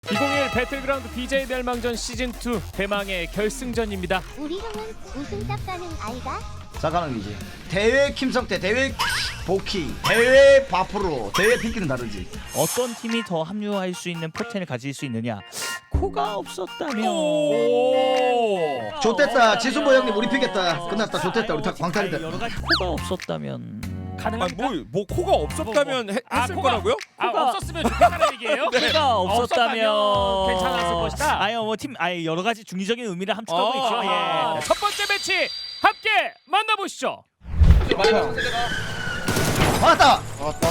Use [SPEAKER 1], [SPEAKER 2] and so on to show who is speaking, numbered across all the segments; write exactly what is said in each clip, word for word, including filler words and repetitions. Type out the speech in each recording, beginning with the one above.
[SPEAKER 1] 이천이십일 배틀그라운드 비제이 멸망전 시즌이 대망의 결승전입니다.
[SPEAKER 2] 우리 형은 우승 딱 가는 아이가?
[SPEAKER 3] 사가능이지. 대회 김성태, 대회 보키, 대회 바프로, 대회 핑키는 다르지.
[SPEAKER 4] 어떤 팀이 더 합류할 수 있는 포텐을 가질 수 있느냐? 코가 없었다면.
[SPEAKER 3] 좋댔다. 지순보 형님 우리 피겠다. 끝났다. 좋댔다. 우리 다 광탈이다.
[SPEAKER 4] 여러 가지 코가 없었다면.
[SPEAKER 1] 가능합니까?
[SPEAKER 5] 아니 뭐, 뭐 코가 없었다면 해,
[SPEAKER 1] 아,
[SPEAKER 5] 했을
[SPEAKER 1] 코가-
[SPEAKER 5] 거라고요?
[SPEAKER 1] 아,
[SPEAKER 4] 코가-
[SPEAKER 1] 없었으면 좋겠다는 얘기예요?
[SPEAKER 4] 코가 없었다면
[SPEAKER 1] 괜찮았을 것이다.
[SPEAKER 4] 아니요, 뭐 팀, 아예 여러 가지 중의적인 의미를 함축하고
[SPEAKER 5] 어,
[SPEAKER 4] 있죠.
[SPEAKER 1] 아,
[SPEAKER 4] 예.
[SPEAKER 1] 첫 번째 매치 함께 만나보시죠.
[SPEAKER 3] 맞다.
[SPEAKER 6] 왔다.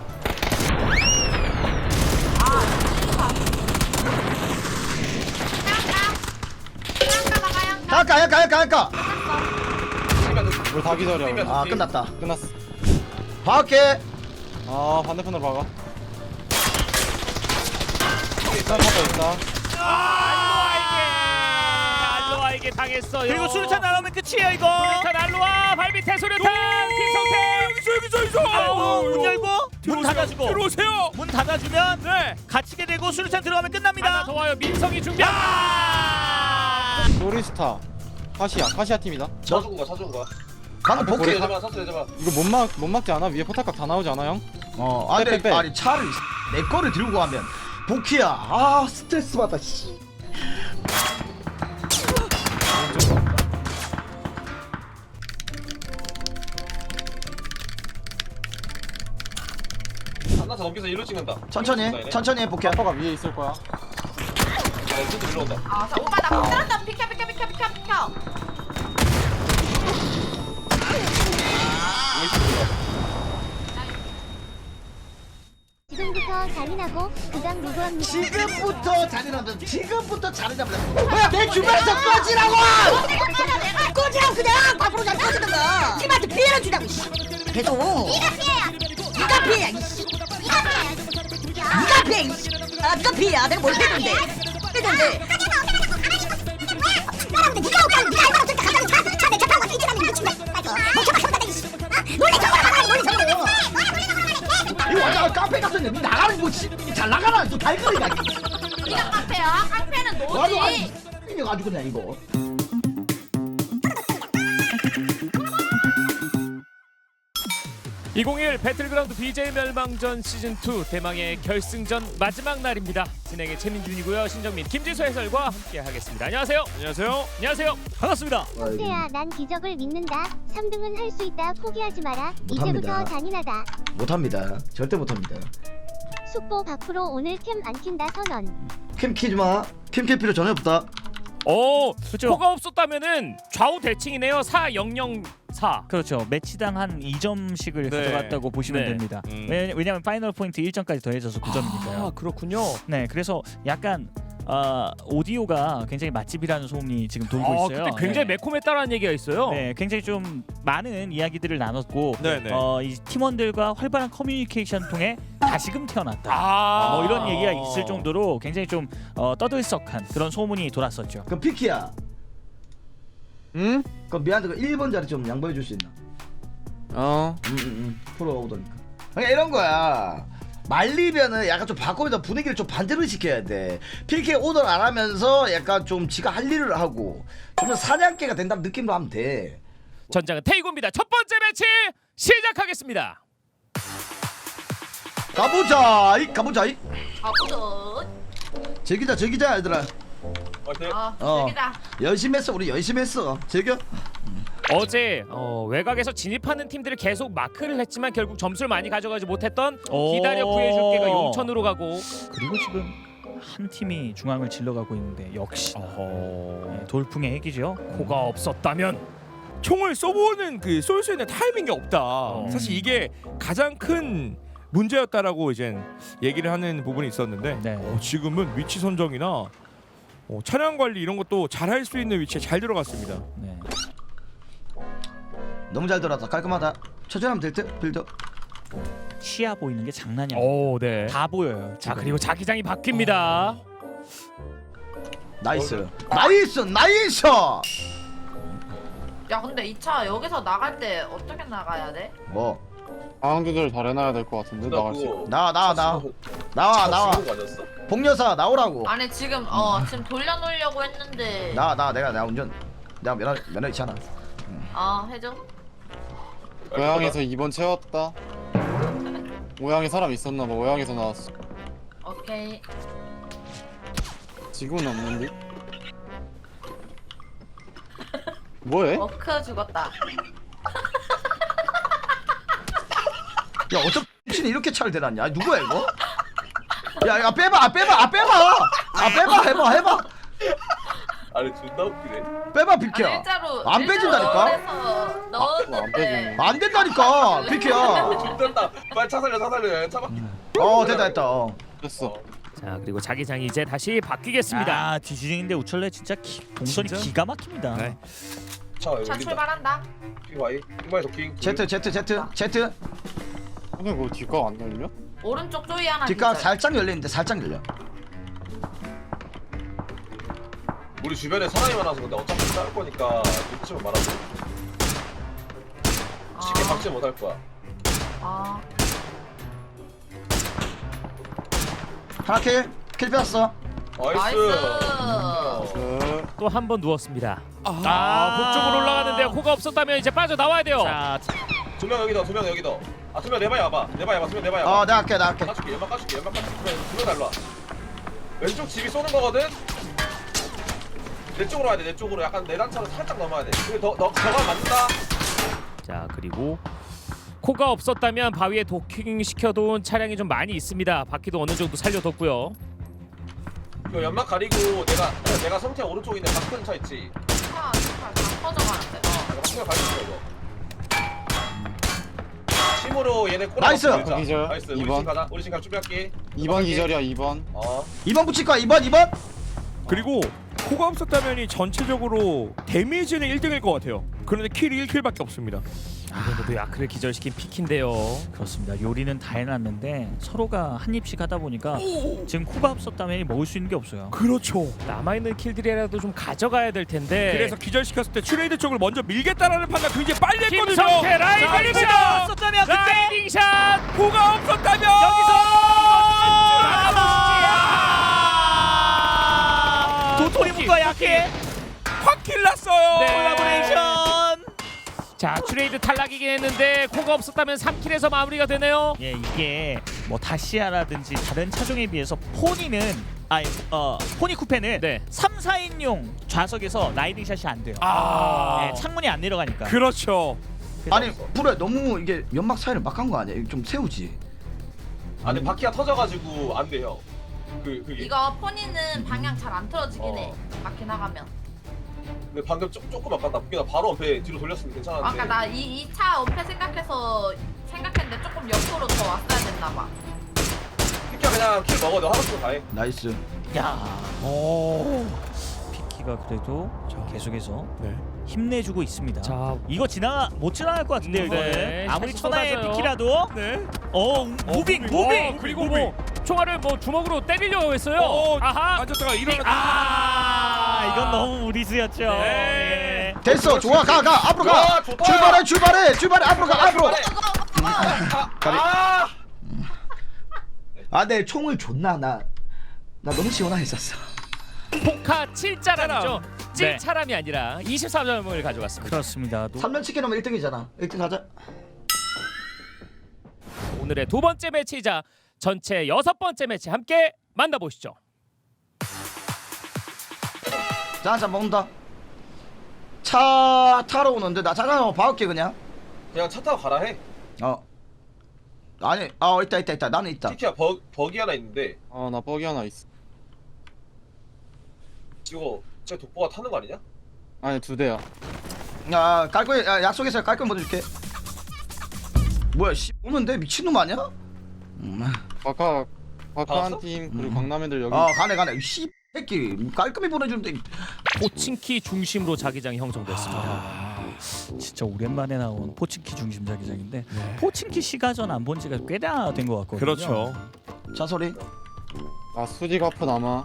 [SPEAKER 3] 갈까, 갈까, 갈까, 갈까.
[SPEAKER 6] 우리 다 기다려.
[SPEAKER 3] 아, 끝났다.
[SPEAKER 6] 끝났어.
[SPEAKER 3] 밖에.
[SPEAKER 6] 아 반대편으로 박아. 일단 하고 있다.
[SPEAKER 1] 알로아에게 알로아에게 당했어요.
[SPEAKER 4] 그리고 수류탄 나오면 끝이에요 이거.
[SPEAKER 1] 수류탄 알로아 발밑에 수류탄 김성태.
[SPEAKER 5] 여기서 여기서 여기서.
[SPEAKER 4] 아이고, 문 열고 문
[SPEAKER 5] 들어오세요.
[SPEAKER 4] 닫아주고
[SPEAKER 5] 들어오세요.
[SPEAKER 4] 문 닫아주면
[SPEAKER 1] 네.
[SPEAKER 4] 갇히게 되고 수류탄 들어가면
[SPEAKER 1] 하나
[SPEAKER 4] 끝납니다.
[SPEAKER 1] 더 와요. 민성이 준비. 아!
[SPEAKER 6] 소리스타. 카시아. 카시아 팀이다.
[SPEAKER 7] 사주고 가 사주고 가
[SPEAKER 3] 방금
[SPEAKER 6] 앞에
[SPEAKER 3] 복귀.
[SPEAKER 6] 고래.
[SPEAKER 7] 내줘봐 사주 내줘봐
[SPEAKER 6] 이거 못 막 못 막지 않아? 위에 포탑각 다 나오지 않아 형?
[SPEAKER 3] 어, 아니,
[SPEAKER 6] 빼, 빼, 빼.
[SPEAKER 3] 아니 차를 내 거를 들고 가면 복귀야. 아, 스트레스 받아. 씨.
[SPEAKER 7] 한나서 넘겨서 일로 찍는다
[SPEAKER 3] 천천히 해. 천천히 해, 복귀야.
[SPEAKER 6] 포탑각 위에 있을 거야.
[SPEAKER 7] 아 진짜 일로 온다
[SPEAKER 8] 아, 자, 오빠 나 못들었다. 비켜, 비켜, 비켜, 비켜, 비켜.
[SPEAKER 2] 지금부터 잔인하고 그다음 누구합니까?
[SPEAKER 3] 지금부터 잔인하다. 지금부터 잔인하다. 뭐야, 내 주변에서 꺼지라고!
[SPEAKER 8] 내가 꺼지라고 그냥 밖으로 잘 꺼지는 거. 팀한테 피해를 주라고. 계속. 네가 피해야. 네가 피해야. 이씨. 네가 피해야. 네가 피해. 이씨. 아, 네가 피해야. 내가 뭘 했는데? 했는데. 사람들 네가 오빠는 네가 알바로 들까 가자는 차, 차내 차 타고 뛰쳐다니는 미친다. 뭐 저거 저거 이씨. 놀래 저거라 말하는 놀래 저거.
[SPEAKER 3] 이거 완전 카페 같은데 니 나가는 거 잘 나가나? 또 달걀이야.
[SPEAKER 8] 네가 깡패야. 깡패는
[SPEAKER 3] 와도
[SPEAKER 8] 너지.
[SPEAKER 3] 이거 가지고 그냥 이거.
[SPEAKER 1] 이천이십일 배틀그라운드 비제이 멸망전 시즌이 대망의 결승전 마지막 날입니다. 진행의 최민준이고요. 신정민, 김지수 해설과 함께 하겠습니다. 안녕하세요.
[SPEAKER 5] 안녕하세요.
[SPEAKER 1] 안녕하세요.
[SPEAKER 4] 반갑습니다.
[SPEAKER 2] 성태야, 난 기적을 믿는다. 삼 등은 할 수 있다. 포기하지 마라.
[SPEAKER 3] 못합니다.
[SPEAKER 2] 이제부터 잔인하다.
[SPEAKER 3] 못합니다. 절대 못합니다.
[SPEAKER 2] 숙보 밖으로 오늘 캠 안 킨다 선언.
[SPEAKER 3] 캠 키지 마. 캠 킬 필요 전혀 없다.
[SPEAKER 1] 오,
[SPEAKER 4] 그렇죠.
[SPEAKER 1] 코가 없었다면은 좌우 대칭이네요. 사 영영사.
[SPEAKER 4] 그렇죠. 매치당 한 이 점씩을
[SPEAKER 5] 네.
[SPEAKER 4] 가져갔다고 보시면
[SPEAKER 1] 네.
[SPEAKER 4] 됩니다.
[SPEAKER 5] 음.
[SPEAKER 4] 왜, 왜냐하면 파이널 포인트 일 점까지 더해져서 구 점이니까요.
[SPEAKER 1] 아, 그렇군요.
[SPEAKER 4] 네, 그래서 약간 어, 오디오가 굉장히 맛집이라는 소문이 지금 돌고
[SPEAKER 1] 아,
[SPEAKER 4] 있어요.
[SPEAKER 1] 그때 굉장히
[SPEAKER 4] 네.
[SPEAKER 1] 매콤했다라는 얘기가 있어요.
[SPEAKER 4] 네, 굉장히 좀 많은 이야기들을 나눴고
[SPEAKER 5] 네네.
[SPEAKER 4] 어, 이 팀원들과 활발한 커뮤니케이션 통해 다시금 태어났다.
[SPEAKER 1] 아,
[SPEAKER 4] 뭐 이런 얘기가 있을 정도로 굉장히 좀 어, 떠들썩한 그런 소문이 돌았었죠.
[SPEAKER 3] 그럼 피키야.
[SPEAKER 6] 응?
[SPEAKER 3] 그럼 미안한데 그 일 번 자리 좀 양보해 줄 수 있나?
[SPEAKER 6] 어.
[SPEAKER 3] 음, 음, 음. 프로 오더니까. 그러니까 이런 거야. 말리면은 약간 좀 바꾸면서 분위기를 좀 반대로 시켜야 돼. 피케이 오더를 안 하면서 약간 좀 지가 할 일을 하고 좀 사냥개가 된다는 느낌으로 하면 돼.
[SPEAKER 1] 전장은 테이고입니다. 첫 번째 매치 시작하겠습니다.
[SPEAKER 3] 가보자. 이 가보자. 이
[SPEAKER 8] 아무도.
[SPEAKER 3] 즐기자, 즐기자 얘들아.
[SPEAKER 7] 화이팅
[SPEAKER 8] 아,
[SPEAKER 3] 어.
[SPEAKER 8] 여기다.
[SPEAKER 3] 열심히 했어. 우리 열심히 했어. 즐겨.
[SPEAKER 1] 어제 어, 외곽에서 진입하는 팀들을 계속 마크를 했지만 결국 점수를 많이 가져가지 못했던
[SPEAKER 4] 오.
[SPEAKER 1] 기다려 구해줄게가 용천으로 가고.
[SPEAKER 4] 그리고 지금 한 팀이 중앙을 질러가고 있는데 역시 네, 돌풍의 핵이죠.
[SPEAKER 1] 코가 없었다면
[SPEAKER 5] 총을 쏘보는 그 쏠 수 있는 타이밍이 없다. 사실 이게 가장 큰 문제였다라고 이제 얘기를 하는 부분이 있었는데
[SPEAKER 4] 네.
[SPEAKER 5] 어, 지금은 위치 선정이나 어, 차량 관리 이런 것도 잘 할 수 있는 위치에 잘 들어갔습니다.
[SPEAKER 4] 네.
[SPEAKER 3] 너무 잘 돌았다. 깔끔하다. 천천히 하면 될 듯. 빌드.
[SPEAKER 4] 시야 보이는 게 장난이 아니에요.
[SPEAKER 1] 오, 네.
[SPEAKER 4] 다 보여요.
[SPEAKER 1] 자,
[SPEAKER 4] 지금.
[SPEAKER 1] 그리고 자기장이 바뀝니다.
[SPEAKER 3] 나이스. 나이스. 나이스.
[SPEAKER 8] 야, 근데 이 차 여기서 나갈 때 어떻게 나가야 돼?
[SPEAKER 3] 뭐
[SPEAKER 6] 상황 조절 잘 해놔야 될 것 같은데 나갈 수 있고.
[SPEAKER 3] 나와 나와 나와 나와 나와.
[SPEAKER 7] 아니었어?
[SPEAKER 3] 복여사 나오라고.
[SPEAKER 9] 아니 지금 어 지금 돌려놓으려고 했는데
[SPEAKER 3] 나와 나 내가 내가 운전 내가 면허 면허 있잖아.
[SPEAKER 9] 아 해줘.
[SPEAKER 6] 고향에서 이 번 채웠다. 고향에 사람 있었나봐. 고향에서 나왔어.
[SPEAKER 9] 오케이.
[SPEAKER 6] 지금은 없는데? 뭐해?
[SPEAKER 9] 워크 죽었다.
[SPEAKER 3] 야 어쩜 신 이렇게 차를 대놨냐? 아니, 누구야 이거? 야야 빼봐 아 빼봐 아 빼봐 아 빼봐 해봐 해봐
[SPEAKER 7] 아니 존나 웃기네.
[SPEAKER 3] 빼봐
[SPEAKER 9] 아니
[SPEAKER 3] 비키야.
[SPEAKER 9] 일자로
[SPEAKER 3] 안 빼진다니까?
[SPEAKER 9] 일자로
[SPEAKER 6] 안
[SPEAKER 9] 넣었는데
[SPEAKER 6] 빼지네.
[SPEAKER 3] 안 된다니까 비키야.
[SPEAKER 7] 존나 빨리 차 살려 차 살려 차 바퀴.
[SPEAKER 3] 어 됐다 됐다. 어.
[SPEAKER 6] 됐어.
[SPEAKER 1] 자 그리고 자기장이 이제 다시 바뀌겠습니다.
[SPEAKER 4] 아 뒤지는데 우철레 진짜 기, 동선이
[SPEAKER 1] 진짜?
[SPEAKER 4] 기가 막힙니다.
[SPEAKER 1] 네.
[SPEAKER 7] 차 여기
[SPEAKER 9] 차
[SPEAKER 7] 올린다.
[SPEAKER 9] 출발한다.
[SPEAKER 7] 핑바이 핑바이 도킹.
[SPEAKER 3] 제트 제트 제트 제트
[SPEAKER 6] 근데 뭐 뒷각 안 열려?
[SPEAKER 9] 오른쪽 조이 하나.
[SPEAKER 3] 뒷각
[SPEAKER 9] 기절.
[SPEAKER 3] 살짝 열리는데 살짝 열려.
[SPEAKER 7] 우리 주변에 사람이 많아서 근데 어차피 싸울 거니까 눈치만 말하고 쉽게
[SPEAKER 9] 아.
[SPEAKER 7] 박지 못할 거야.
[SPEAKER 9] 아
[SPEAKER 3] 하나 킬. 킬 뺐어.
[SPEAKER 7] 나이스.
[SPEAKER 9] 나이스.
[SPEAKER 6] 그...
[SPEAKER 1] 또 한 번 누웠습니다. 아, 북쪽으로 올라가는데요. 코가 없었다면 이제 빠져 나와야 돼요.
[SPEAKER 4] 자,
[SPEAKER 7] 두 명 여기다 두 명 여기다. 아 두 명 내봐야 와봐. 내봐야 와. 두 명 내봐야
[SPEAKER 3] 어
[SPEAKER 7] 와.
[SPEAKER 3] 내가 할게 내가 할게.
[SPEAKER 7] 까줄게 연막 까줄게 연막 까줄게. 두명 달라. 왼쪽 집이 쏘는 거거든. 내 쪽으로 와야 돼. 내 쪽으로 약간 내 단차로 살짝 넘어야 돼. 근데 너너 저가 맞는다.
[SPEAKER 1] 자 그리고 코가 없었다면 바위에 도킹 시켜둔 차량이 좀 많이 있습니다. 바퀴도 어느 정도 살려뒀고요.
[SPEAKER 7] 이거 연막 가리고 내가 내가 성태 오른쪽에 있는 박큰 차 있지.
[SPEAKER 9] 차, 차, 다 터져가는데. 어.
[SPEAKER 7] 내가 박큰 가리고 이거. 심으로 얘네 꼬라.
[SPEAKER 3] 나이스!
[SPEAKER 6] 기절.
[SPEAKER 7] 나이스. 우리
[SPEAKER 6] 이 번.
[SPEAKER 7] 집 가자. 우리 집 가 준비할게.
[SPEAKER 6] 이 번 기절이야 이 번.
[SPEAKER 7] 어.
[SPEAKER 3] 이 번 붙일 거야. 이 번 이 번.
[SPEAKER 5] 그리고 코가 없었다면이 전체적으로 데미지는 일 등일 것 같아요. 그런데 킬이 일 킬밖에 없습니다.
[SPEAKER 1] 이번에도 야크를 기절시킨 피키인데요.
[SPEAKER 4] 그렇습니다. 요리는 다 해놨는데 서로가 한 입씩 하다 보니까 지금 코가 없었다면 먹을 수 있는 게 없어요.
[SPEAKER 5] 그렇죠.
[SPEAKER 1] 남아있는 킬들이라도 좀 가져가야 될 텐데.
[SPEAKER 5] 그래서 기절시켰을 때 트레이드 쪽을 먼저 밀겠다라는 판단 굉장히 빨리 했거든요.
[SPEAKER 1] 김성태 라이딩
[SPEAKER 5] 자,
[SPEAKER 1] 샷!
[SPEAKER 4] 없었다면 그때
[SPEAKER 1] 라이딩 샷!
[SPEAKER 5] 코가 없었다면
[SPEAKER 4] 도토리묵과 약해
[SPEAKER 5] 확 킬났어요.
[SPEAKER 1] 네.
[SPEAKER 4] 콜라보레이션.
[SPEAKER 1] 자 트레이드 탈락이긴 했는데 코가 없었다면 삼 킬에서 마무리가 되네요.
[SPEAKER 4] 예, 이게 뭐 다시아라든지 다른 차종에 비해서 포니는 아니 어 포니 쿠페는
[SPEAKER 1] 네.
[SPEAKER 4] 삼, 사인용 좌석에서 라이딩 샷이 안 돼요.
[SPEAKER 5] 아,
[SPEAKER 4] 예, 창문이 안 내려가니까.
[SPEAKER 5] 그렇죠.
[SPEAKER 3] 아니 불에 너무 이게 연막 사이를 막 한 거 아니야? 이거 좀 세우지.
[SPEAKER 7] 아니 바퀴가 터져가지고 안 돼요. 그 그게.
[SPEAKER 9] 이거 포니는 방향 잘 안 틀어지긴
[SPEAKER 7] 어.
[SPEAKER 9] 해. 바퀴 나가면.
[SPEAKER 7] 근데 방금 조, 조금 아깝다. 바퀴가 바로 앞에 뒤로 돌렸으면 괜찮았는데.
[SPEAKER 9] 아까 나 이 이 차 엄폐 생각해서 생각했는데 조금 옆으로 더 왔어야 됐나 봐.
[SPEAKER 7] 피키야 그냥 킬 먹어. 너 하고 싶은 거 다 해.
[SPEAKER 3] 나이스.
[SPEAKER 4] 야,
[SPEAKER 5] 오.
[SPEAKER 4] 피키가 그래도 계속해서
[SPEAKER 5] 네.
[SPEAKER 4] 힘내주고 있습니다.
[SPEAKER 1] 자
[SPEAKER 4] 이거 지나 못 지나갈 것 같은데요.
[SPEAKER 1] 네,
[SPEAKER 4] 이거는 아무리
[SPEAKER 1] 샷이
[SPEAKER 4] 천하의
[SPEAKER 1] 쏟아져요.
[SPEAKER 4] 피키라도
[SPEAKER 5] 네.
[SPEAKER 4] 어 무빙 무빙
[SPEAKER 1] 어, 그리고 뭐 총알을 뭐 주먹으로 때리려고 했어요.
[SPEAKER 5] 어,
[SPEAKER 1] 아하.
[SPEAKER 5] 앉았다가 일어나.
[SPEAKER 4] 아, 이건 너무 무리수였죠.
[SPEAKER 5] 네.
[SPEAKER 4] 예.
[SPEAKER 3] 됐어. 좋아. 가 가. 앞으로 가.
[SPEAKER 7] 와, 좋다.
[SPEAKER 3] 출발해 출발해 출발해. 앞으로 가 앞으로.
[SPEAKER 7] 아!
[SPEAKER 3] 아, 내 총을 줬나 나. 나 너무 시원했었어.
[SPEAKER 1] 포카 칠 자람이죠.
[SPEAKER 4] 네.
[SPEAKER 1] 칠 차람이 아니라 이십삼 점을 가져갔습니다.
[SPEAKER 4] 그렇습니다. 노-
[SPEAKER 3] 삼 면 치킨 하면 일 등이잖아. 일 등 가자.
[SPEAKER 1] 오늘의 두 번째 매치이자 전체 여섯 번째 매치 함께 만나보시죠.
[SPEAKER 3] 자, 자 먹는다. 차 타러 오는데 나 잠깐 한번 봐올게 그냥.
[SPEAKER 7] 그냥 차 타고 가라 해.
[SPEAKER 3] 어. 아니, 아 있다 있다 있다. 나는 있다.
[SPEAKER 7] 피키야 버 버기 하나 있는데
[SPEAKER 6] 아나 뻑이 하나 있어.
[SPEAKER 7] 이거 제 독보가 타는 거 아니냐?
[SPEAKER 6] 아니 두 대야.
[SPEAKER 3] 야, 깔끔 야, 약속해서 깔끔 보내줄게. 뭐야, 씨 오는데 미친놈 아니야? 음.
[SPEAKER 6] 바카 바카
[SPEAKER 7] 나왔어?
[SPEAKER 6] 한 팀 그리고
[SPEAKER 3] 음.
[SPEAKER 6] 강남 애들 여기.
[SPEAKER 3] 아, 가네 가네. 씨 새끼 깔끔히 보내주는데.
[SPEAKER 1] 포친키 중심으로 자기장이 형성됐습니다.
[SPEAKER 4] 아, 진짜 오랜만에 나온 포친키 중심 자기장인데 포친키 시가전 안 본 지가 꽤나 된 것 같거든요.
[SPEAKER 5] 그렇죠.
[SPEAKER 3] 자 소리.
[SPEAKER 6] 아 수지 가프 남아.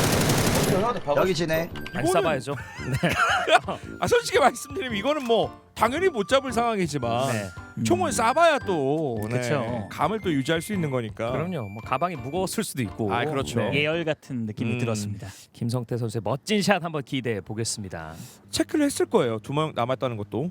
[SPEAKER 7] 형한테 박아.
[SPEAKER 3] 여기 지네.
[SPEAKER 1] 안
[SPEAKER 5] 이거는-
[SPEAKER 1] 싸봐야죠.
[SPEAKER 5] 아 솔직히 말씀드리면 이거는 뭐 당연히 못 잡을 상황이지만
[SPEAKER 1] 네.
[SPEAKER 5] 총은 쏴봐야 또 네,
[SPEAKER 4] 그쵸.
[SPEAKER 5] 감을 또 유지할 수 있는 거니까.
[SPEAKER 1] 그럼요. 뭐 가방이 무거웠을 수도 있고.
[SPEAKER 5] 아, 그렇죠.
[SPEAKER 1] 네.
[SPEAKER 4] 예열 같은 느낌이
[SPEAKER 5] 음.
[SPEAKER 4] 들었습니다.
[SPEAKER 1] 김성태 선수의 멋진 샷 한번 기대해 보겠습니다.
[SPEAKER 5] 체크를 했을 거예요. 두 명 남았다는 것도.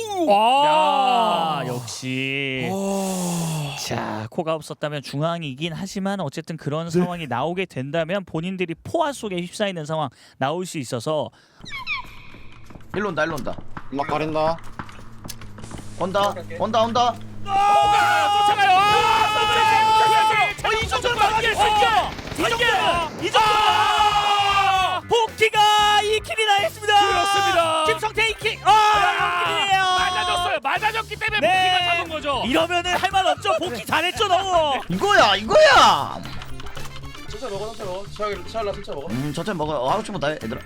[SPEAKER 1] 와,
[SPEAKER 4] 야, 역시.
[SPEAKER 5] 어...
[SPEAKER 4] 자, 코가 없었다면 중앙이긴 하지만 어쨌든 그런 상황이 나오게 된다면 본인들이 포화 속에 휩싸이는 상황 나올 수 있어서
[SPEAKER 3] 일로 온다 일로 온다
[SPEAKER 6] 막 가린다.
[SPEAKER 3] 온다 온다 온다.
[SPEAKER 1] 쫓아가요.
[SPEAKER 4] 어, 이 정도는 막아낼 수 있죠. 이 정도는 이 정도는 복귀가 이 킬이나 했습니다.
[SPEAKER 1] 그렇습니다.
[SPEAKER 4] 김성태 이 킬. 아, 킬이에요.
[SPEAKER 1] 맞아줬어요. 맞아줬기 때문에
[SPEAKER 4] 네.
[SPEAKER 1] 복귀가 잡은 거죠.
[SPEAKER 4] 이러면은 할 말 없죠. 복귀 잘했죠, 너무.
[SPEAKER 3] 이거야 이거야.
[SPEAKER 7] 천천히 먹어 천천히 먹어 치아기 치아라 천천히 먹어
[SPEAKER 3] 음 천천히 먹어. 어, 하고 싶으면 다 해, 얘들아.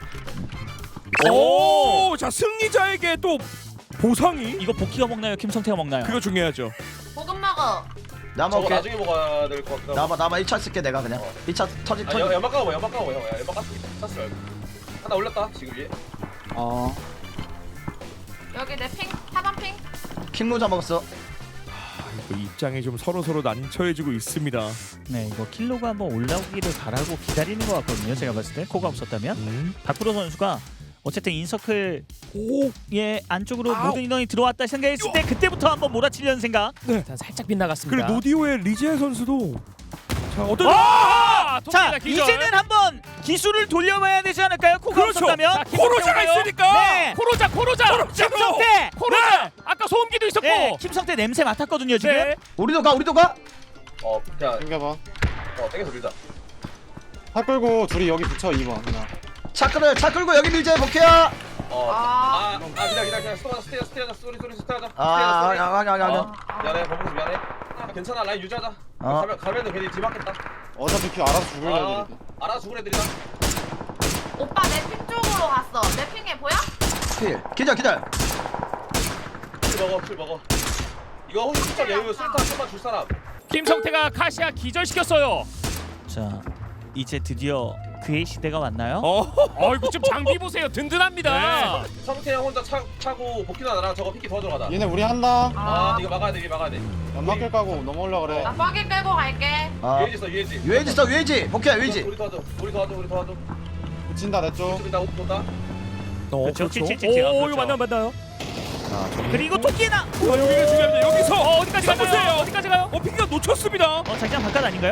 [SPEAKER 5] 오, 자 승리자에게 또 보상이
[SPEAKER 4] 이거 복귀가 먹나요? 김성태가 먹나요?
[SPEAKER 5] 그거 중요하죠.
[SPEAKER 9] 볶음 먹어.
[SPEAKER 3] 나
[SPEAKER 7] 저거
[SPEAKER 3] 먹을게.
[SPEAKER 7] 나중에 먹어야 될 것 같기도 하고
[SPEAKER 3] 나봐 나봐 일 차 쓸게 내가 그냥.
[SPEAKER 7] 어.
[SPEAKER 3] 일 차 터지
[SPEAKER 7] 아
[SPEAKER 3] 터지.
[SPEAKER 7] 연- 연막 까고 연막 까고 형 야, 연막 깠어 깠어 말고 하나 올렸다 지금 위에
[SPEAKER 6] 어.
[SPEAKER 9] 여기 내 핑, 사번 핑.
[SPEAKER 3] 킹로자 먹었어.
[SPEAKER 5] 그 입장이 좀 서로 서로 난처해지고 있습니다.
[SPEAKER 4] 네, 이거 킬로가 한번 올라오기를 바라고 기다리는 것 같거든요. 제가 봤을 때 코가 없었다면
[SPEAKER 5] 음.
[SPEAKER 4] 박프로 선수가 어쨌든 인서클
[SPEAKER 5] 오,
[SPEAKER 4] 예 안쪽으로
[SPEAKER 5] 아우.
[SPEAKER 4] 모든 인원이 들어왔다 생각했을 때 그때부터 한번 몰아치려는 생각.
[SPEAKER 1] 일단 살짝 빗나갔습니다.
[SPEAKER 5] 그리고 노디오의 리제 선수도 자 어떤
[SPEAKER 1] 아,
[SPEAKER 4] 자,
[SPEAKER 1] 토끼가 기절.
[SPEAKER 4] 이제는 한번 기술을 돌려봐야 되지 않을까요? 코가
[SPEAKER 5] 그렇죠.
[SPEAKER 4] 없었다면.
[SPEAKER 1] 자, 김성태
[SPEAKER 5] 코로자가
[SPEAKER 1] 오나요?
[SPEAKER 5] 있으니까.
[SPEAKER 4] 네.
[SPEAKER 1] 코로자 코로자.
[SPEAKER 4] 김성태.
[SPEAKER 1] 코로자. 아까 소음기도 있었고.
[SPEAKER 4] 네, 김성태 냄새 맡았거든요 지금.
[SPEAKER 1] 네.
[SPEAKER 3] 우리도 가 우리도 가.
[SPEAKER 7] 어 그냥
[SPEAKER 6] 당겨봐.
[SPEAKER 7] 어 땡겨서 밀자
[SPEAKER 6] 팔 끌고 둘이 여기 붙여 이 번 그냥.
[SPEAKER 3] 차 끌어 차 끌고 여기 밀자 복해야.
[SPEAKER 7] 어아 아, 기다려 기다려 기다려 스토어 스테어 스테어 쏘리 쏘리 스테어 하자
[SPEAKER 3] 아 아니 아니 아니 아니.
[SPEAKER 7] 어, 미안해 버블스 미안해 아, 괜찮아 라인 유지하자
[SPEAKER 3] 어.
[SPEAKER 7] 가면 가면은 괜히 뒤막겠다
[SPEAKER 6] 어차피 큐 알아서 죽을
[SPEAKER 7] 아
[SPEAKER 6] 애들이다.
[SPEAKER 7] 알아 죽을 애들이다
[SPEAKER 9] 오빠 내 핑 쪽으로 갔어. 내 핑에 보여?
[SPEAKER 3] 필. 기절 기절.
[SPEAKER 7] 킬 먹어 킬 먹어 이거 혹시 수적 여유 수류탄 좀만 줄 사람
[SPEAKER 1] 김성태가 카시아 기절시켰어요.
[SPEAKER 4] 자, 이제 드디어 그의 시대가 왔나요?
[SPEAKER 5] 어,
[SPEAKER 1] 어이구 좀 장비 보세요. 든든합니다.
[SPEAKER 7] 성태 형 혼자 차, 차고 복귀나 나랑 저거 피키 도와주러 가자
[SPEAKER 6] 얘네 우리 한다.
[SPEAKER 7] 아
[SPEAKER 9] 아,
[SPEAKER 7] 이거 막아야 돼 이거 막아야 돼
[SPEAKER 6] 연막 끌 까고 넘어올라 그래.
[SPEAKER 9] 나 뻐기 끌고 갈게.
[SPEAKER 3] 아
[SPEAKER 7] 유해지 있어 유해지
[SPEAKER 3] 유해지 있어 유해지. 복해야 유해지.
[SPEAKER 7] 우리 도와줘 우리 도와줘 우리 도와줘
[SPEAKER 6] 붙인다 내 쪽.
[SPEAKER 7] 우리 나 옷 본다
[SPEAKER 5] 어,
[SPEAKER 4] 그렇죠.
[SPEAKER 5] 그렇죠.
[SPEAKER 4] 칠칠칠칠.
[SPEAKER 1] 오, 이거 맞나 맞나요?
[SPEAKER 4] 그리고 토끼나.
[SPEAKER 5] 어, 여기가 중요합니다. 여기서
[SPEAKER 1] 어, 어디까지
[SPEAKER 5] 써보세요.
[SPEAKER 1] 가나요? 어디까지 가요?
[SPEAKER 5] 어, 피기가 놓쳤습니다.
[SPEAKER 4] 어, 자기장 바깥 아닌가요?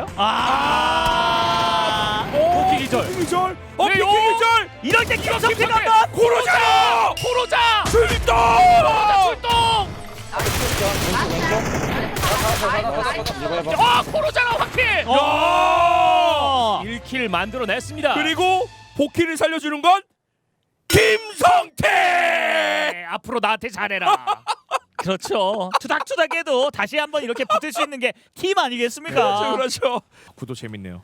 [SPEAKER 4] 아.
[SPEAKER 1] 복귀 기절.
[SPEAKER 5] 복귀 기절. 어,
[SPEAKER 1] 왜요?
[SPEAKER 5] 복귀 기절.
[SPEAKER 4] 이럴 때 김성태가
[SPEAKER 1] 김성태!
[SPEAKER 4] 한번.
[SPEAKER 5] 코로자.
[SPEAKER 1] 코로자.
[SPEAKER 5] 출동.
[SPEAKER 1] 코로자 출동.
[SPEAKER 6] 이거 해봐.
[SPEAKER 1] 아, 코로자가 확킬.
[SPEAKER 4] 어.
[SPEAKER 1] 일 킬 만들어냈습니다.
[SPEAKER 5] 그리고 복귀를 살려주는 건 김성태.
[SPEAKER 1] 네, 앞으로 나한테 잘해라.
[SPEAKER 4] 그렇죠. 투닥투닥해도 다시 한번 이렇게 붙을 수 있는 게 팀 아니겠습니까?
[SPEAKER 5] 그렇죠, 그렇죠. 구도 재밌네요.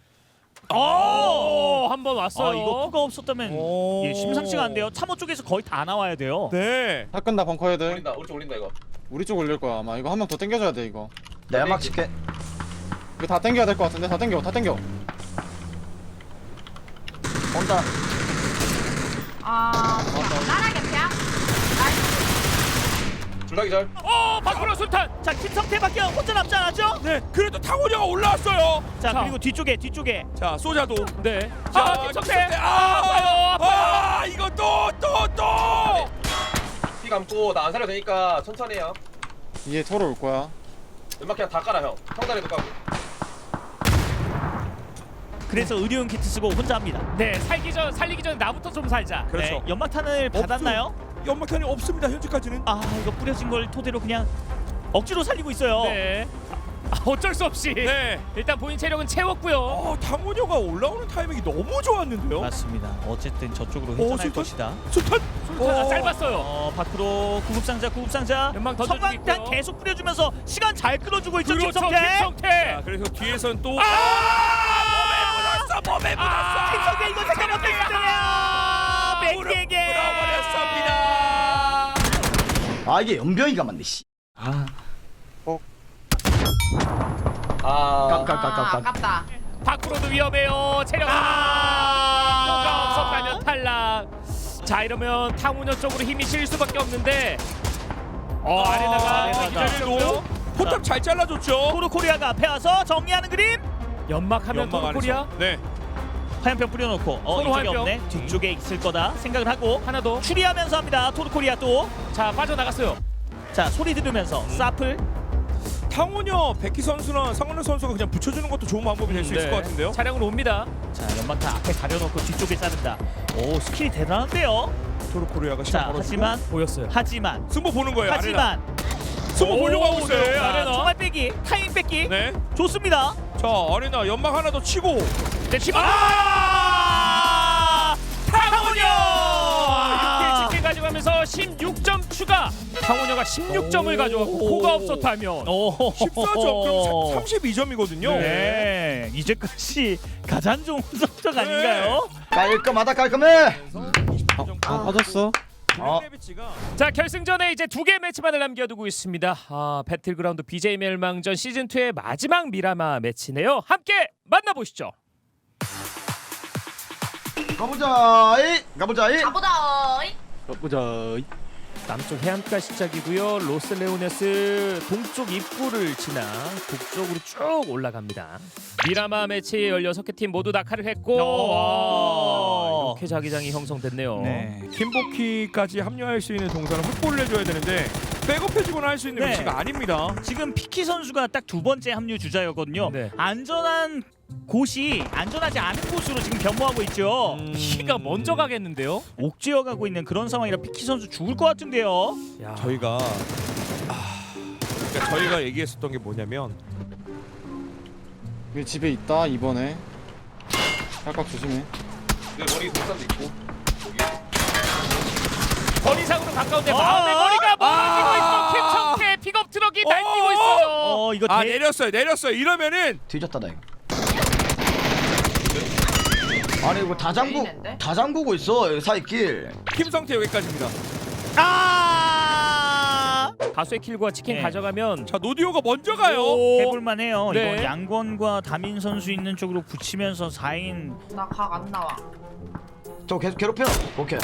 [SPEAKER 1] 오, 한 번 왔어요.
[SPEAKER 4] 아, 이거 코가 없었다면
[SPEAKER 5] 오.
[SPEAKER 4] 예, 심상치가 안 돼요. 참호 쪽에서 거의 다 나와야 돼요.
[SPEAKER 5] 네.
[SPEAKER 6] 팔 끈다 벙커 헤드.
[SPEAKER 7] 올린다 우리 쪽 올린다 이거
[SPEAKER 6] 우리 쪽 올릴 거야 아마. 이거 한 명 더 당겨줘야 돼 이거.
[SPEAKER 3] 내가 막 칠게.
[SPEAKER 6] 이거 다 당겨야 될 것 같은데 다 당겨 다 당겨.
[SPEAKER 3] 온다.
[SPEAKER 9] 아, 나라 개피야?
[SPEAKER 7] 둘다 기절
[SPEAKER 1] 어, 밖으로 술탄.
[SPEAKER 4] 자, 김성태밖에 혼자 남지 않았죠?
[SPEAKER 5] 네. 그래도 탕원이가 올라왔어요.
[SPEAKER 4] 자,
[SPEAKER 1] 자.
[SPEAKER 4] 그리고 뒤쪽에 뒤쪽에
[SPEAKER 5] 자, 소자도.
[SPEAKER 1] 네.
[SPEAKER 5] 자,
[SPEAKER 1] 아, 김성태.
[SPEAKER 5] 아,
[SPEAKER 1] 아파요. 아파요.
[SPEAKER 5] 아, 이거 또, 또, 또.
[SPEAKER 7] 피 감고 나 안 살려도 되니까 천천히 해요
[SPEAKER 6] 이게 토로 올 거야.
[SPEAKER 7] 연막 그냥 다 깔아 형 형다리도 까고
[SPEAKER 4] 그래서 의료용 키트 쓰고 혼자 합니다.
[SPEAKER 1] 네, 살기 전 살리기 전에 나부터 좀 살자.
[SPEAKER 5] 그렇죠.
[SPEAKER 4] 네, 연막탄을 받았나요?
[SPEAKER 5] 연막탄이 없습니다. 현재까지는.
[SPEAKER 4] 아, 이거 뿌려진 걸 토대로 그냥 억지로 살리고 있어요.
[SPEAKER 1] 네. 아, 어쩔 수 없이.
[SPEAKER 5] 네.
[SPEAKER 1] 일단 본인 체력은 채웠고요.
[SPEAKER 5] 어, 탕원이가 올라오는 타이밍이 너무 좋았는데요.
[SPEAKER 4] 맞습니다. 어쨌든 저쪽으로
[SPEAKER 5] 어,
[SPEAKER 4] 회전할
[SPEAKER 5] 술탄?
[SPEAKER 4] 것이다.
[SPEAKER 5] 술탄.
[SPEAKER 1] 술탄 아, 짧았어요.
[SPEAKER 4] 어, 밖으로 구급상자 구급상자
[SPEAKER 1] 연막 던져주고
[SPEAKER 4] 성광탄
[SPEAKER 1] 있고요.
[SPEAKER 4] 계속 뿌려주면서 시간 잘 끌어주고 있죠.
[SPEAKER 1] 그렇죠,
[SPEAKER 4] 김성태.
[SPEAKER 1] 김성태.
[SPEAKER 5] 자, 그래서 뒤에선 또. 아! 몸에 묻었어. 몸에 묻었어.
[SPEAKER 1] 아,
[SPEAKER 4] 김성태 이거 생각 못했어요. 백에게
[SPEAKER 5] 물어버렸습니다.
[SPEAKER 3] 아 이게 연병이가 맞네 씨. 아
[SPEAKER 7] 아
[SPEAKER 3] 깜깜.
[SPEAKER 9] 아, 아깝다.
[SPEAKER 1] 밖으로도 위험해요. 체력
[SPEAKER 4] 아.
[SPEAKER 1] 뭐가 없었다면 탈락. 자, 이러면 탕우녀 쪽으로 힘이 실 수밖에 없는데 어 아레나가
[SPEAKER 4] 아레나가.
[SPEAKER 1] 기다리고
[SPEAKER 5] 포탑 잘 잘라줬죠.
[SPEAKER 4] 토르코리아가 앞에 와서 정리하는 그림.
[SPEAKER 1] 연막하면
[SPEAKER 5] 연막
[SPEAKER 1] 토르코리아
[SPEAKER 5] 안에서. 네.
[SPEAKER 4] 화염병 뿌려놓고 어
[SPEAKER 1] 서로
[SPEAKER 4] 이쪽에
[SPEAKER 1] 화염병.
[SPEAKER 4] 없네. 뒤쪽에 있을 거다 생각을 하고
[SPEAKER 1] 하나 더.
[SPEAKER 4] 추리하면서 합니다. 토르코리아 또.
[SPEAKER 1] 자 빠져나갔어요.
[SPEAKER 4] 자 소리 들으면서 사플.
[SPEAKER 5] 탕원여 백희 선수나 상원호 선수가 그냥 붙여주는 것도 좋은 방법이 될 수 있을
[SPEAKER 1] 네.
[SPEAKER 5] 것 같은데요.
[SPEAKER 1] 차량으로 옵니다.
[SPEAKER 4] 자 연막탄 앞에 가려놓고 뒤쪽에 자른다. 오 스킬이 대단한데요.
[SPEAKER 5] 토르코리아가
[SPEAKER 4] 자
[SPEAKER 5] 시간 벌어주고
[SPEAKER 4] 하지만
[SPEAKER 1] 보였어요.
[SPEAKER 4] 하지만
[SPEAKER 5] 승부 보는 거예요.
[SPEAKER 4] 하지만
[SPEAKER 5] 승부
[SPEAKER 1] 오,
[SPEAKER 5] 보려고 하고 있어요.
[SPEAKER 1] 네,
[SPEAKER 4] 자,
[SPEAKER 1] 아레나.
[SPEAKER 4] 총알 빼기 타이밍 뺏기
[SPEAKER 5] 네.
[SPEAKER 4] 좋습니다.
[SPEAKER 5] 자 아레나 연막 하나 더 치고.
[SPEAKER 1] 네, 치고
[SPEAKER 4] 아
[SPEAKER 1] 탕원여 육 킬 치킨 가져가면서 십육 점 추가. 탕원여가 십육 점을 가져가고 코가 없었다면
[SPEAKER 4] 오
[SPEAKER 5] 십사 점 그럼 삼십이 점이거든요.
[SPEAKER 4] 네 이제까지 가장 좋은 성적 아닌가요?
[SPEAKER 3] 깔끔하다 깔끔해.
[SPEAKER 6] 아 빠졌어.
[SPEAKER 3] 어.
[SPEAKER 1] 자 결승전에 이제 두 개 매치만을 남겨두고 있습니다. 아 배틀그라운드 비제이 멸망전 시즌이의 마지막 미라마 매치네요. 함께 만나보시죠.
[SPEAKER 3] 가보자이 가보자이.
[SPEAKER 9] 가보자.
[SPEAKER 6] 보자.
[SPEAKER 1] 남쪽 해안가 시작이고요. 로스레오네스 동쪽 입구를 지나 북쪽으로 쭉 올라갑니다. 미라마 매치 열여섯 개 팀 모두 낙하를 했고
[SPEAKER 4] 오.
[SPEAKER 1] 이렇게 자기장이 형성됐네요.
[SPEAKER 4] 네.
[SPEAKER 5] 팀복키까지 합류할 수 있는 동선을 확보를 해줘야 되는데 백업해주거나 할 수 있는
[SPEAKER 4] 네.
[SPEAKER 5] 위치가 아닙니다.
[SPEAKER 4] 지금 피키 선수가 딱 두 번째 합류 주자였거든요.
[SPEAKER 1] 네.
[SPEAKER 4] 안전한 곳이 안전하지 않은 곳으로 지금 변모하고 있죠.
[SPEAKER 5] 음.
[SPEAKER 1] 키가 먼저 가겠는데요.
[SPEAKER 4] 옥죄어 가고 있는 그런 상황이라 피키 선수 죽을 것 같은데요.
[SPEAKER 1] 야.
[SPEAKER 5] 저희가 아, 그러니까 저희가 얘기했었던 게 뭐냐면
[SPEAKER 6] 여기 집에 있다 이번에. 깍깍 조심해.
[SPEAKER 7] 내 머리 독산도 있고. 여기.
[SPEAKER 1] 거리상으로 가까운데
[SPEAKER 4] 어?
[SPEAKER 1] 마음의 거리가 멀어지고
[SPEAKER 5] 아.
[SPEAKER 1] 있어. 김청태 픽업 트럭이
[SPEAKER 5] 어.
[SPEAKER 1] 날뛰고 있어요.
[SPEAKER 4] 어 이거
[SPEAKER 5] 아
[SPEAKER 4] 대...
[SPEAKER 5] 내렸어요 내렸어요 이러면은
[SPEAKER 3] 뒤졌다 나 이거. 아니 이거 다 잠구
[SPEAKER 9] 메인인데?
[SPEAKER 3] 다 잠그고 있어 사이길.
[SPEAKER 5] 김성태 여기까지입니다.
[SPEAKER 4] 아
[SPEAKER 1] 다수의 킬과 치킨
[SPEAKER 4] 네.
[SPEAKER 1] 가져가면
[SPEAKER 5] 자 노디오가 먼저 가요.
[SPEAKER 4] 해볼만해요.
[SPEAKER 1] 네.
[SPEAKER 4] 이거 양권과 다민 선수 있는 쪽으로 붙이면서 사 인
[SPEAKER 9] 나 각 안 나와.
[SPEAKER 3] 저 계속 괴롭혀. 오케이.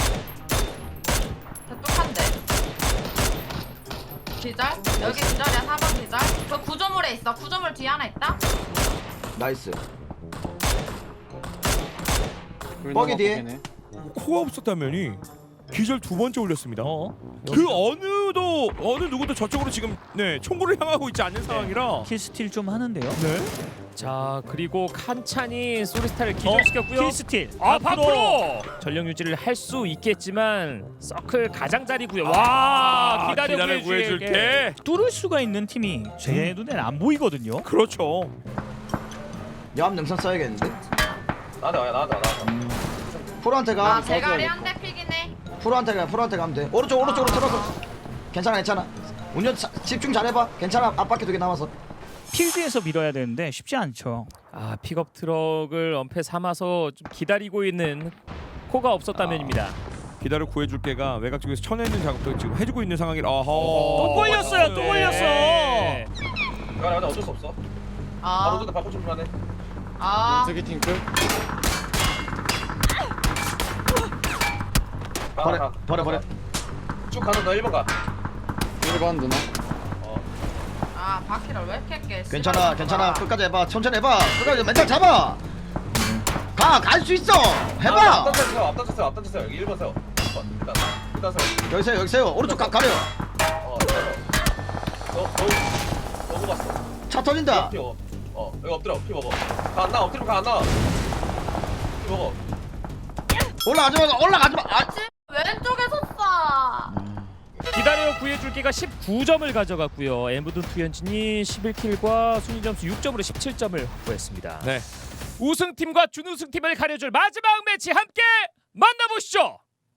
[SPEAKER 9] 대뚝한데. 기절? 여기 기절이야. 사 번 기절. 저 구조물에 있어. 구조물 뒤에 하나 있다.
[SPEAKER 3] 나이스.
[SPEAKER 6] 꿀
[SPEAKER 3] 뻑이
[SPEAKER 6] 나가
[SPEAKER 3] 뒤에.
[SPEAKER 6] 보이네.
[SPEAKER 5] 코가 없었다면이 기절 두 번째 올렸습니다.
[SPEAKER 4] 어?
[SPEAKER 5] 그 어느도 어느 누구도 저쪽으로 지금 네 총구를 향하고 있지 않는 상황이라.
[SPEAKER 4] 킬스틸 좀 하는데요.
[SPEAKER 5] 네.
[SPEAKER 1] 자 그리고 칸찬이 소리스타를 기절시켰고요.
[SPEAKER 4] 킬스틸
[SPEAKER 1] 아 밖으로 전력 유지를 할 수 있겠지만 서클 가장자리고요. 와
[SPEAKER 5] 아,
[SPEAKER 1] 기다려
[SPEAKER 5] 기다려
[SPEAKER 1] 구해줄게.
[SPEAKER 5] 구해줄게.
[SPEAKER 4] 뚫을 수가 있는 팀이 제 눈엔 안 보이거든요.
[SPEAKER 5] 그렇죠.
[SPEAKER 3] 야암 능선 써야겠는데.
[SPEAKER 7] 나한테 와야 나한테 와 나한테 와.
[SPEAKER 3] 프로한테 가.
[SPEAKER 9] 아 대가리 한 대 픽이네.
[SPEAKER 3] 프로한테 가. 프로한테 가면 돼. 오른쪽 오른쪽으로 들어서. 괜찮아 괜찮아. 운전 자, 집중 잘해봐. 괜찮아. 앞바퀴 두 개 남았어.
[SPEAKER 4] 필드에서 밀어야 되는데 쉽지 않죠.
[SPEAKER 1] 아 픽업 트럭을 엄폐 삼아서 좀 기다리고 있는 코가 없었다면입니다.
[SPEAKER 5] 기다려 구해줄게가 외곽 쪽에서 쳐내는 작업도 지금 해주고 있는 상황이라. 아하.
[SPEAKER 4] 또 걸렸어요. 또 걸렸어.
[SPEAKER 1] 네.
[SPEAKER 7] 야, 나 어쩔 수 없어.
[SPEAKER 9] 아.
[SPEAKER 7] 바로 전에 바꿔 좀 하네.
[SPEAKER 9] 아.
[SPEAKER 6] 연세기 팀끝.
[SPEAKER 7] 가,
[SPEAKER 3] 버려
[SPEAKER 7] 가.
[SPEAKER 3] 버려 버려.
[SPEAKER 7] 쭉 가서 너 일 번 가.
[SPEAKER 6] 일 번 누나.
[SPEAKER 9] 아 바퀴를 왜 이렇게 깨?
[SPEAKER 3] 괜찮아 괜찮아. 끝까지 해봐. 천천히 해봐. 끝까지 멘탈 잡아. 가 갈 수 있어. 해봐.
[SPEAKER 7] 앞단 세요. 앞단 세요. 앞단 세요. 여기 일 번 세요. 어, 일단 일단 세요.
[SPEAKER 3] 여기 세요 여기 세요. 오른쪽 가, 가려.
[SPEAKER 7] 어, 일단 세요. 너, 너, 너무 봤어.
[SPEAKER 3] 차 터진다.
[SPEAKER 7] 피 먹어. 어, 여기 엎드려. 피 먹어. 가 안 나. 엎드리면 가 안 나. 피 먹어.
[SPEAKER 3] 올라가지 마 올라가지 마. 아.
[SPEAKER 9] 왼쪽에서 쏴.
[SPEAKER 1] 기다려 구해줄게가 십구 점을 가져갔고요. 엠브든 투현진이 십일 킬과 순위 점수 육 점으로 십칠 점을 확보했습니다.
[SPEAKER 5] 네.
[SPEAKER 1] 우승팀과 준우승팀을 가려줄 마지막 매치 함께 만나보시죠.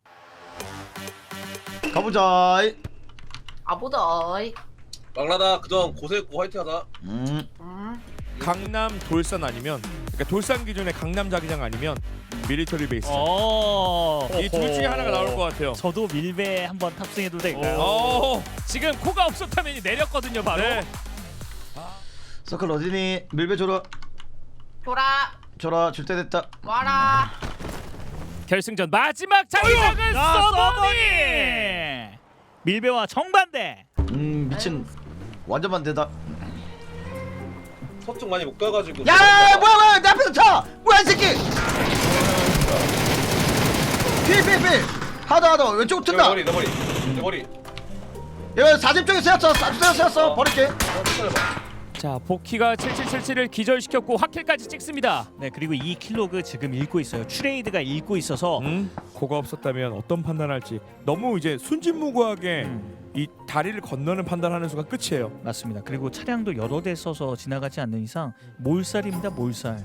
[SPEAKER 3] 가보자.
[SPEAKER 9] 아보다.
[SPEAKER 7] 막라다 그전 고생했고 화이팅하자.
[SPEAKER 3] 음.
[SPEAKER 9] 음.
[SPEAKER 5] 강남 돌산 아니면 그러니까 돌산 기준의 강남 자기장 아니면 밀리터리 베이스.
[SPEAKER 4] 어.
[SPEAKER 5] 이 둘 중에 하나가 나올 것 같아요.
[SPEAKER 4] 저도 밀배 한번 탑승해도 될까요?
[SPEAKER 5] 어.
[SPEAKER 1] 지금 코가 없었다면 내렸거든요 바로.
[SPEAKER 5] 네.
[SPEAKER 3] 서클 어디니? 밀배 줘라.
[SPEAKER 9] 돌아.
[SPEAKER 3] 줘라. 줄 때 됐다.
[SPEAKER 9] 와라.
[SPEAKER 1] 결승전 마지막 자기장은
[SPEAKER 4] 야,
[SPEAKER 1] 서버니.
[SPEAKER 4] 서버니! 밀배와 정반대.
[SPEAKER 3] 음 미친 완전 반대다.
[SPEAKER 7] 서쪽 많이 못 가가지고.
[SPEAKER 3] 야 뭐야 뭐야 내 앞에서 차 뭐야 이 새끼. 필필필 하다 하다 왼쪽
[SPEAKER 7] 내
[SPEAKER 3] 튼다.
[SPEAKER 7] 머리 내 머리 내 머리.
[SPEAKER 3] 여기 사집 쪽에 세웠어 세웠어 세웠어 버릴게.
[SPEAKER 7] 어, 기다려봐.
[SPEAKER 1] 자 복희가 칠칠칠칠을 기절시켰고 확킬까지 찍습니다.
[SPEAKER 4] 네, 그리고 이 킬로그 지금 읽고 있어요. 추레이드가 읽고 있어서
[SPEAKER 5] 음, 그거 없었다면 어떤 판단할지 너무 이제 순진무구하게
[SPEAKER 4] 음.
[SPEAKER 5] 이 다리를 건너는 판단하는 수가 끝이에요.
[SPEAKER 4] 맞습니다. 그리고 차량도 여러 대 써서 지나가지 않는 이상 몰살입니다. 몰살.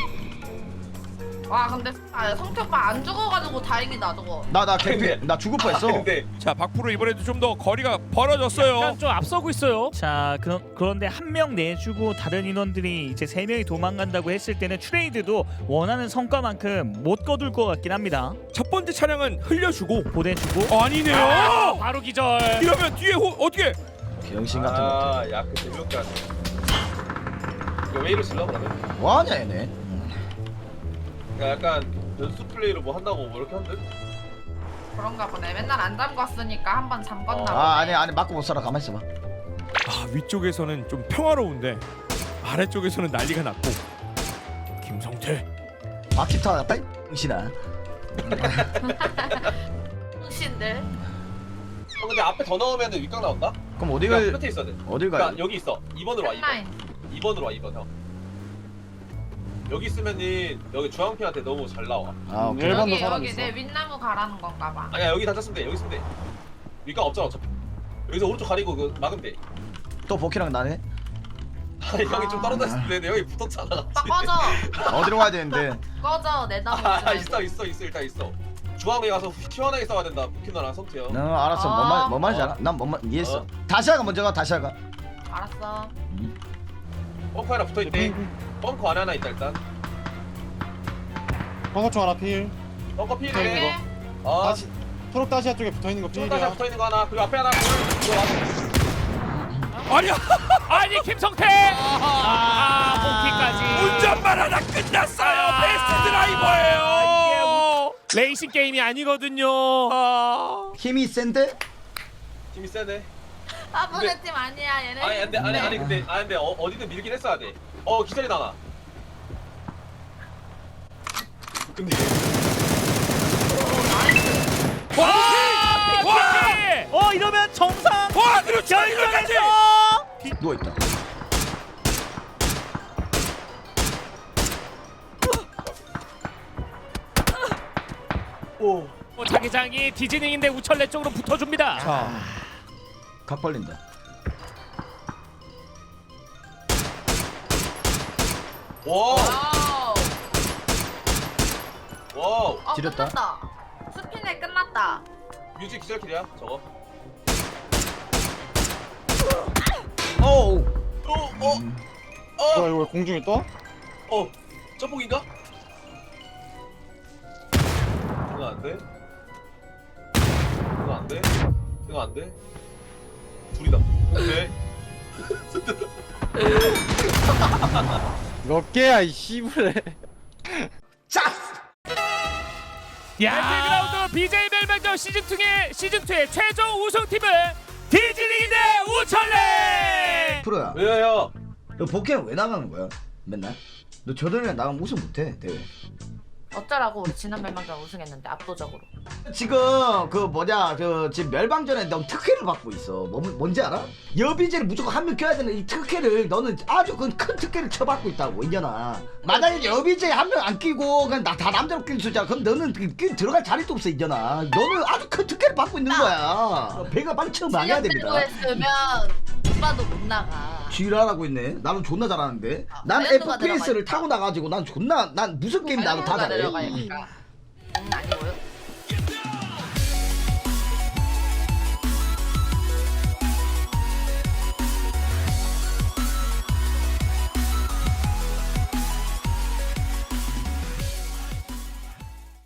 [SPEAKER 9] 와 근데 아, 성태 오빠 안 죽어가지고 다행이다 저거.
[SPEAKER 3] 나나 개피 나 죽을 뻔했어.
[SPEAKER 7] 근데
[SPEAKER 5] 자 박프로 이번에도 좀 더 거리가 벌어졌어요.
[SPEAKER 1] 약간 좀 앞서고 있어요.
[SPEAKER 4] 자, 그런 그런데 한 명 내주고 다른 인원들이 이제 세 명이 도망간다고 했을 때는 트레이드도 원하는 성과만큼 못 거둘 것 같긴 합니다.
[SPEAKER 5] 첫 번째 차량은 흘려주고
[SPEAKER 4] 보내주고
[SPEAKER 5] 어, 아니네요.
[SPEAKER 1] 아, 바로 기절.
[SPEAKER 5] 이러면 뒤에 호, 어떻게?
[SPEAKER 3] 병신 같은 거.
[SPEAKER 7] 아, 야, 그 재미없게 이거 왜 이러실라 그러면?
[SPEAKER 3] 뭐하냐 얘네.
[SPEAKER 7] 그러니까 약간 연습 플레이로 뭐 한다고 뭐 이렇게 한대?
[SPEAKER 9] 그런가 보네. 맨날 안 잠궜으니까 한 번 잠궜나 보네.
[SPEAKER 3] 아 아니 아니 맞고 못 살아 가만 있어봐.
[SPEAKER 5] 아 위쪽에서는 좀 평화로운데 아래쪽에서는 난리가 났고 김성태
[SPEAKER 3] 바퀴 타다 빨리 병신아.
[SPEAKER 9] 신들.
[SPEAKER 7] 어, 근데 앞에 더 넣으면 윗각 나온다?
[SPEAKER 3] 그럼 어디
[SPEAKER 7] 그러니까
[SPEAKER 3] 갈
[SPEAKER 7] 끝에 있어야 돼.
[SPEAKER 3] 어딜
[SPEAKER 7] 그러니까
[SPEAKER 3] 가야
[SPEAKER 7] 여기 있어. 이 번으로 와. 이 번.
[SPEAKER 9] 라인.
[SPEAKER 7] 이 번으로 와. 이 번 형. 여기 있으면은 여기 주황핑한테 너무 잘 나와.
[SPEAKER 3] 아 오케이.
[SPEAKER 6] 일반도
[SPEAKER 9] 여기
[SPEAKER 6] 사람
[SPEAKER 9] 여기
[SPEAKER 6] 있어.
[SPEAKER 9] 내 윗나무 가라는 건가 봐.
[SPEAKER 7] 아니야 여기 다쳤으면 돼. 여기 있으면 돼. 윗각 없잖아 어차피. 여기서 오른쪽 가리고 그 막으면 돼.
[SPEAKER 3] 또 보키랑 나네.
[SPEAKER 7] 아니 형이 좀 떨어져 있는데 형이 붙었잖아.
[SPEAKER 9] 오빠 꺼져.
[SPEAKER 3] 어디로 가야 되는데?
[SPEAKER 9] 꺼져 내 나무.
[SPEAKER 7] 아
[SPEAKER 9] 보지
[SPEAKER 7] 있어
[SPEAKER 9] 말고.
[SPEAKER 7] 있어 있어 일단 있어. 중앙에 가서 시원하게 싸워야 된다. 부키너랑 성태 형.
[SPEAKER 3] 너 알았어.
[SPEAKER 9] 아.
[SPEAKER 3] 뭔말 뭔 말인지 알아? 난 뭔말 이해했어.
[SPEAKER 7] 어.
[SPEAKER 3] 다시아가 먼저 가. 다시아가.
[SPEAKER 9] 알았어.
[SPEAKER 7] 벙커 하나 붙어 있대. 벙커 안에 하나 있다 일단.
[SPEAKER 6] 방어총 하나 필.
[SPEAKER 7] 벙커
[SPEAKER 6] 네,
[SPEAKER 7] 필이네.
[SPEAKER 6] 이거.
[SPEAKER 7] 어.
[SPEAKER 6] 다시 초록 다시아 쪽에 붙어 있는 거
[SPEAKER 7] 총 다시
[SPEAKER 6] 필이야.
[SPEAKER 7] 붙어 있는 거 하나. 그리고 앞에 하나. 들어와.
[SPEAKER 5] 아니야
[SPEAKER 1] 아니 김성태. 아 복희까지.
[SPEAKER 5] 운전만 하다 끝났어요.
[SPEAKER 1] 아,
[SPEAKER 5] 베스트 드라이버예요.
[SPEAKER 1] 레이싱 게임이 아니거든요.
[SPEAKER 5] 아.
[SPEAKER 3] 힘이 센데?
[SPEAKER 7] 힘이 세네.
[SPEAKER 9] 아무네
[SPEAKER 7] 근데-
[SPEAKER 9] 팀 아니야 얘네.
[SPEAKER 7] 아니 근데 아니
[SPEAKER 9] 네.
[SPEAKER 7] 아니 근데 아니 근데 어, 어디든 밀긴 했어야 돼. 어 기절이 나나. 근데
[SPEAKER 1] 와!
[SPEAKER 5] 와!
[SPEAKER 4] 어, 이러면 정상
[SPEAKER 5] 와 그렇죠 이거까지.
[SPEAKER 4] 결정에서
[SPEAKER 3] 누워 있다.
[SPEAKER 7] 오.
[SPEAKER 1] 어, 자기장이 디즈닝인데 우철래 쪽으로 붙어줍니다.
[SPEAKER 3] 자. 각 벌린다.
[SPEAKER 7] 와우.
[SPEAKER 9] 와우.
[SPEAKER 7] 와우.
[SPEAKER 9] 어,
[SPEAKER 3] 지렸다.
[SPEAKER 9] 끝났다. 스피네 끝났다.
[SPEAKER 7] 뮤직 기절킬이야 저거.
[SPEAKER 3] 어우.
[SPEAKER 7] 어 어.
[SPEAKER 6] 뭐야
[SPEAKER 7] 어.
[SPEAKER 6] 이거 왜 공중에 떠?
[SPEAKER 7] 어. 점폭인가? 이거 안 돼. 이거 안 돼. 이거 안 돼. 둘이다. 네.
[SPEAKER 6] 몇 개야 이 씨부레.
[SPEAKER 3] 자.
[SPEAKER 1] 배틀그라운드 비제이 멸망전 시즌이의 시즌이의 최종 우승팀은 디즈닝 대 우철래.
[SPEAKER 3] 프로야.
[SPEAKER 7] 왜요?
[SPEAKER 3] 너 복귀는 왜 나가는 거야? 맨날? 너 저들이랑 나가면 우승 못해 대회.
[SPEAKER 9] 어쩌라고 우리 지난 멸망전 우승했는데 압도적으로.
[SPEAKER 3] 지금 그 뭐냐 그 지금 멸방전에 넌 특혜를 받고 있어. 뭐, 뭔지 알아? 여비제를 무조건 한 명 껴야 되는 이 특혜를 너는 아주 그 큰 특혜를 쳐받고 있다고 인연아. 만약에 여비제 한 명 안 끼고 그냥 나 다 남자로 낄 수자 그럼 너는 그, 끼 들어갈 자리도 없어 인연아. 너는 아주 큰 특혜를 받고 있는 거야. 배가 빨리 처음 망해야 됩니다.
[SPEAKER 9] 했으면 오빠도 못 나가.
[SPEAKER 3] 지랄하고 있네. 나는 존나 잘하는데.
[SPEAKER 9] 아,
[SPEAKER 3] 난
[SPEAKER 9] 밸런스가
[SPEAKER 3] 에프피에스를
[SPEAKER 9] 내려가니까.
[SPEAKER 3] 타고 나가지고 난 존나 난 무슨 게임 나도 다
[SPEAKER 9] 밸런스가
[SPEAKER 3] 잘해.
[SPEAKER 9] 내려가니까. 음, 아니고요.